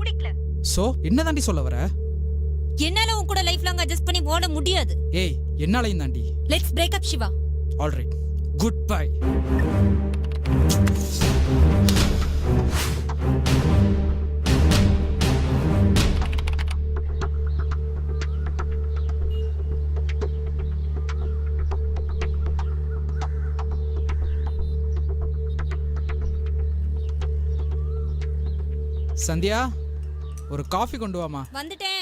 பிடிக்கல. சோ என்னதாண்டி சொல்ல வர? என்னால உன் கூட லைஃப் லாங் அட்ஜஸ்ட் பண்ணி ஓட முடியாது. ஏய் என்னாலையும் தாண்டி. Let's break up Siva. Alright, good bye. Sandhya, ஒரு காஃபி கொண்டு வாமா. வந்துட்டேன்.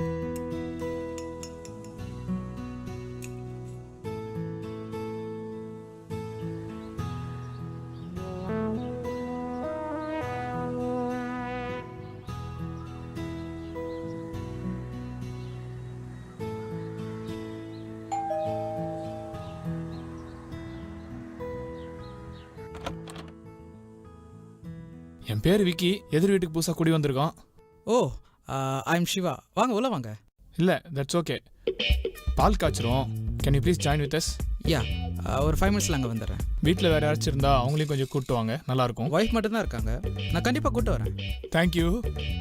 என் பேர் விக்கி. எதிர் வீட்டுக்கு புதுசாக குடி வந்திருக்கோம். Oh, I am Siva. வாங்க உள்ள வாங்க. இல்லை, தட்ஸ் ஓகே. பால் காய்ச்சிரும். Can you please join with us? Yeah, ஒரு 5 மினிட்ஸில் அங்கே வந்துடுறேன். வீட்டில் வேறு யாராச்சும் இருந்தா அவங்களையும் கொஞ்சம் கூப்பிட்டு வாங்க, நல்லாயிருக்கும். ஒய்ஃப் மட்டும்தான் இருக்காங்க, நான் கண்டிப்பாக கூப்பிட்டு வரேன். தேங்க்யூ.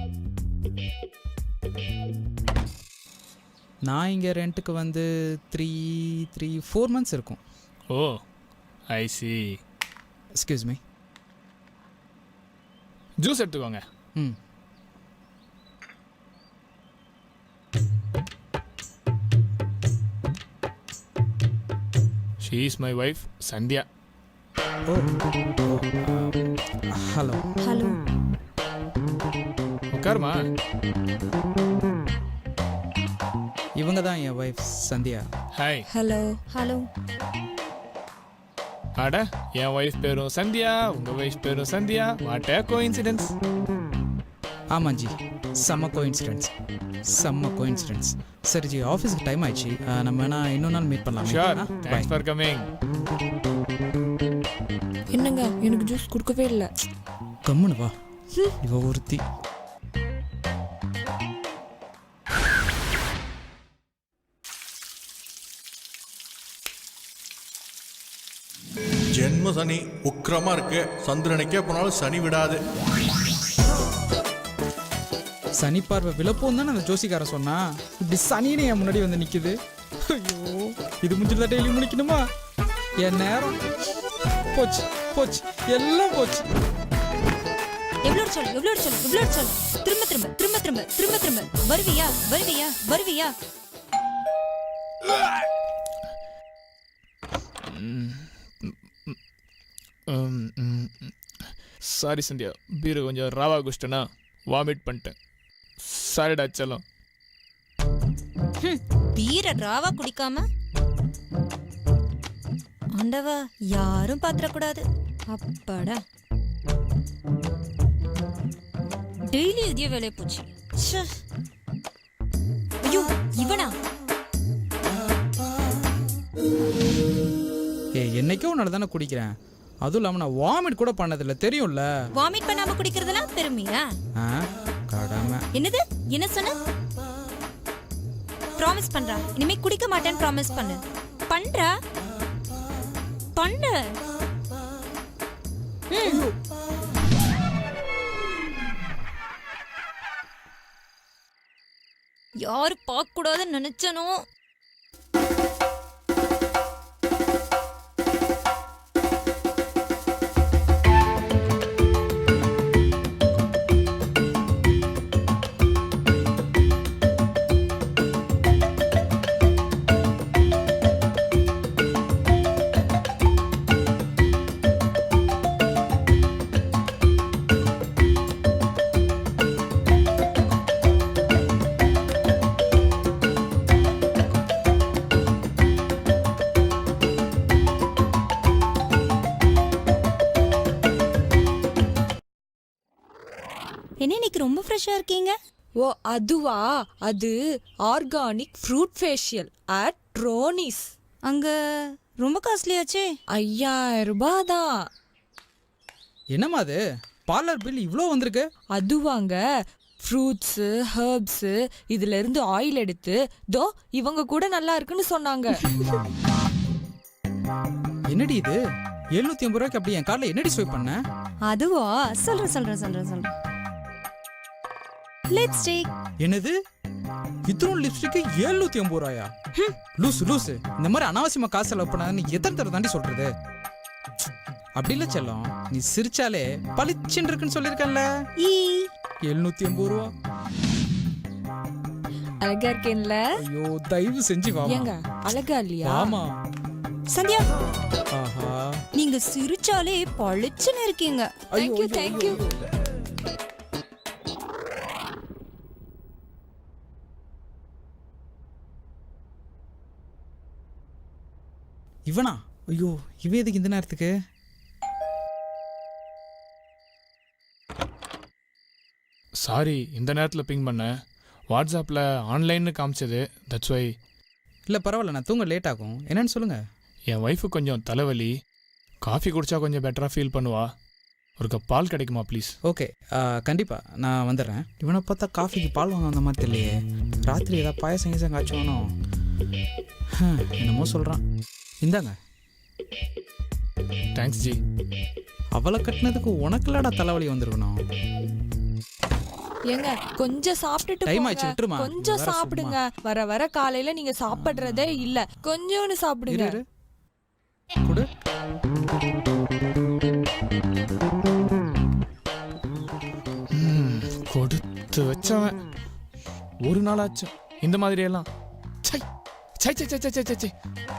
நான் இங்கே ரெண்ட்டுக்கு வந்து 4 months இருக்கும். Oh, I see. Excuse me. Juice எடுத்துக்கோங்க. ம். She is my wife Sandhya. Oh, hello. Hello. உட்காருமா. இவங்க தான் என் wife Sandhya. Hi. Hello. Hello. அட, என் ஒய்ஃப் பேரும் சந்தியா, உங்கள் ஒய்ஃப் பேரும் சந்தியா. What a coincidence. ஆமாம் ஜி, செம்ம கோஇன்சிடென்ஸ், செம்ம கோஇன்சிடென்ஸ். சரி ஜி, ஆஃபீஸுக்கு டைம் ஆயிடுச்சு, நம்ம வேணா இன்னொரு நாள் மீட் பண்ணலாம். Sure, thanks for coming. என்னங்க, எனக்கு ஜூஸ் கொடுக்கவே இல்லை. கம்முன்னு வா, இவ ஒருத்தி. ஜென்ம சனி உக்கிரமா இருக்கு. சந்திரனுக்கே போனாலும் சனி விடாது. சனி பார்வை விழப்போம் தானே அந்த ஜோசிக்கார சொன்னா. இப்படி சனின்னு என் முன்னாடி வந்து நிக்குது. ஐயோ, இது முடிஞ்சதா டெய்லி முடிக்கணுமா? என் நேரம் போச்சு போச்சு, எல்லாம் போச்சு. எவ்வளோ சொல்லு, எவ்வளோ சொல்லு, எவ்வளோ சொல்லு. திரும்ப திரும்ப திரும்ப திரும்ப திரும்ப திரும்ப வருவியா வருவியா வருவியா? சாரி சந்தியா, பீரு கொஞ்சம் ராவா குஷ்டனா வாமிட் பண்ணிட்டேன். சாரிடா செல்லம். பீரை ராவா குடிக்காம ஆண்டவா, யாரும் பாத்திரக்கூடாது. அப்பாடா, டெய்லி இதே வேலையை போச்சு. ஐயோ, இவனா? என்னைக்கோ உன்னால தானே குடிக்கிறேன். அதுவும் இல்லாம நான் வாமிட் கூட பண்ணதில்லை, தெரியும்ல. வாமிட் பண்ணாம குடிக்கிறதெல்லாம் பெருமையா? கடமை. என்னது, என்ன சொன்ன? ப்ராமிஸ் பண்றா, இனிமே குடிக்க மாட்டேன்னு ப்ராமிஸ் பண்ணு. பண்றா, பண்ணு. யாரு பார்க்க கூடாதுன்னு நினைச்சனோ. என்ன இன்னைக்கு ரொம்ப ஃப்ரெஷ்ஷா இருக்கீங்க? ஓ அதுவா, அது organic fruit facial at Ronnie's. அங்க ரொம்ப காஸ்ட்லியாச்சே. 5000 ரூபாய் தான். என்னம்மா அது, பார்லர் பில் இவ்வளோ வந்திருக்கு? அதுவாங்க, ஃப்ரூட்ஸு ஹர்ப்ஸு இதுல இருந்து ஆயில் எடுத்து தோ இவங்க கூட நல்லா இருக்குன்னு சொன்னாங்க. என்னடி இது 750 ரூபாய்க்கு அப்படி என் கார்டில் என்னடி ஸ்வைப் பண்ண? அதுவா, சொல்றேன். லிப்ஸ்டிக். என்னது இத்தனை லிப்ஸ்டிக்கு 780 ரூபாயா? லூசு லூசு, இந்த மாதிரி அனாவசியமா காசு செலவு பண்ணாதுன்னு எத்தனை தடவை தாண்டி சொல்றது? அப்படி இல்ல செல்லம், நீ சிரிச்சாலே பளிச்சுன்னு இருக்குன்னு சொல்லியிருக்கேன்ல. 780 ரூபா. அழகா இருக்கேன்ல? ஐயோ தயவு செஞ்சு வா. ஏங்க அழகா இல்லையா? ஆமா. சந்தியா, ஆஹா, நீங்க சிரிச்சாலே பளிச்சுன்னு இருக்கீங்க. Thank you thank you. இவனா? ஐயோ இவன் எதுக்கு இந்த நேரத்துக்கு? சாரி, இந்த நேரத்தில் பிங் பண்ணேன். வாட்ஸ்அப்பில் ஆன்லைன்னு காமிச்சது, தட்ஸ் வை. இல்லை பரவாயில்ல, நான் தூங்க லேட் ஆகும். என்னன்னு சொல்லுங்க. என் ஒய்ஃபு கொஞ்சம் தலைவலி, காஃபி குடித்தா கொஞ்சம் பெட்டராக ஃபீல் பண்ணுவா. ஒரு கப் பால் கிடைக்குமா ப்ளீஸ்? ஓகே, கண்டிப்பாக நான் வந்துடுறேன். இவனை பார்த்தா காஃபிக்கு பால் வாங்க வந்த மாதிரி இல்லையே. ராத்திரி ஏதாவது பாயசம் கீசம் காய்ச்சோனோ? என்னமோ சொல்கிறான். இந்தாங்க. தேங்க்ஸ் ஜி. அவளை கட்டினதுக்கு உனக்குலாடா தலைவலி வந்திருக்கணும். ஏங்க கொஞ்சம் சாப்பிட்டுட்டு டைம் போங்க. ஆயிடுச்சு, விட்டுருமா. கொஞ்சம் வேற சாப்பிடுங்க. வர வர காலையில நீங்க சாப்பிடுறதே இல்ல. கொஞ்சோன்னு சாப்பிடுங்க. இரு கொடு. கொடுத்து வச்சவன் ஒரு நாளாச்சும் இந்த மாதிரியெல்லாம். சை சை சை சை சை சை சை.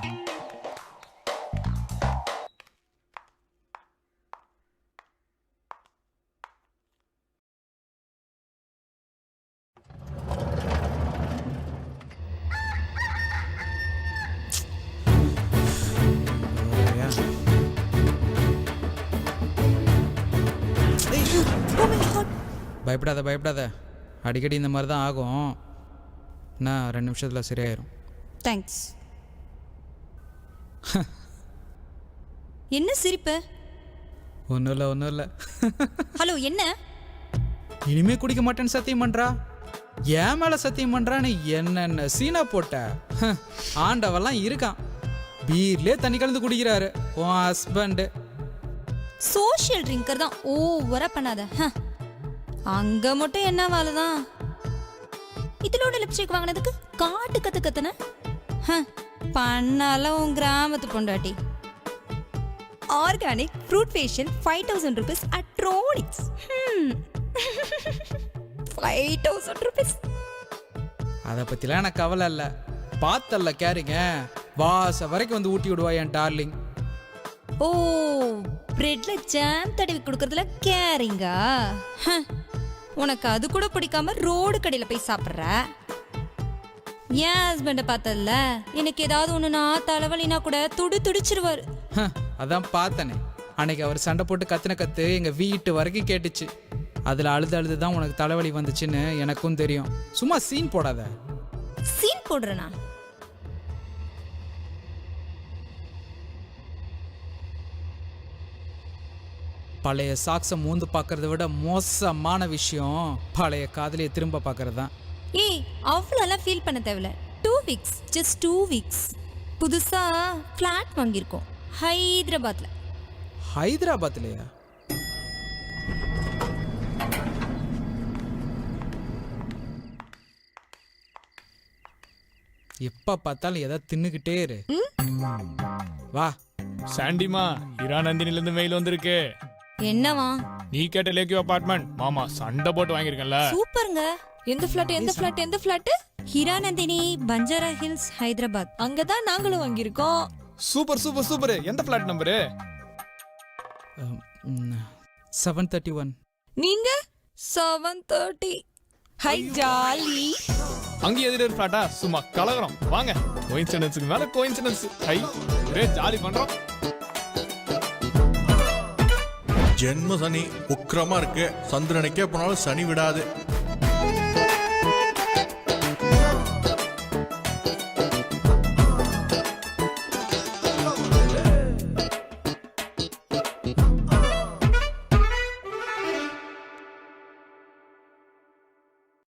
பயப்படாத பயப்படாத, அடிக்கடி இந்த மாதிரி தான் ஆகும். நான் 2 நிமிஷத்தில் சரியாயிரும். தேங்க்ஸ். என்ன சிரிப்பு? ஒன்றும் இல்லை. ஹலோ, என்ன? இனிமே குடிக்க மாட்டேன்னு சத்தியம் பண்றா. என் மேல சத்தியம் பண்றான்னு என்னென்ன சீனா போட்ட. ஆண்டவெல்லாம் இருக்கான். பீர்லயே தண்ணி கலந்து குடிக்கிறாரு உன் ஹஸ்பண்ட். சோஷியல் ட்ரிங்கர் தான். ஓவரா பண்ணாத. அங்க மட்டும் என்ன வேலைதான்? இதோட லிப்ஸ்டிக் வாங்கினதுக்கு காட்டு கத்து கத்துன பண்ணால உன் கிராமத்து பொண்டாட்டி. Organic fruit facial 5000 rupees at Tronix. 5000 rupees. அதை பத்திலாம் எனக்கு கவலை இல்லை. பார்த்தல்ல கேரிங்க, வாச வரைக்கும் வந்து ஊட்டி விடுவா என் டார்லிங். ஓ, பிரெட்ல ஜாம் தடவி கொடுக்கறதுல கேரிங்கா? உனக்கு அது கூட பிடிக்காம ரோடு கடையில போய் சாப்பிட்ற. என் ஹஸ்பண்ட பார்த்ததுல எனக்கு ஏதாவது ஒண்ணுனா தலைவலினா கூட துடிச்சிருவாரு. அதான் பார்த்தனே, அன்னைக்கு அவர் சண்டை போட்டு கத்துன கத்து எங்க வீட்டு வரைக்கும் கேட்டுச்சு. அதுல அழுது தான் உனக்கு தலைவலி வந்துச்சுன்னு எனக்கும் தெரியும். சும்மா சீன் போடாத. சீன் போடுறனா? பழைய சாக்ஸை மூந்து பார்க்கறத விட மோசமான விஷயம் பழைய காதலியை திரும்ப பார்க்கறது தான். ஏய், அவ்வளோலாம் ஃபீல் பண்ண தேவையில்ல. 2 weeks, just 2 weeks. புதுசா ஃப்ளாட் வாங்கியிருக்கோம் ஹைதராபாத்ல. ஹைதராபாத்லையா? எப்ப பார்த்தாலும் எதாவது தின்னுக்கிட்டே இரு. வா. சாண்டிமா, இரா நந்தினிலேருந்து மெயில் வந்திருக்கு. என்னவா? நீ கேட்ட லேக்யூ அபார்ட்மெண்ட் மாமா சண்டை போட்டு வாங்கியிருக்கேன்ல. சூப்பருங்க. எந்த ஃபிளாட்? ஹிராநந்தினி, பஞ்சாரா ஹில்ஸ், ஹைதராபாத். அங்கதான் நாங்களும் வாங்கியிருக்கோம். சூப்பர். எந்த ஃபிளாட் நம்பரு? 731. நீங்க 730. Hi jolly. அங்கே எதிர ஃபிளாட்டா? சும்மா கலகரம். வாங்க, கோயின்சிடன்ஸுக்கு மேல கோயின்சிடன்ஸ். ஹை, ஒரே ஜாலி பண்றோம். ஜென்ம சனி உக்கிரமா இருக்கு. சந்திரனுக்கே போனாலும் சனி விடாது.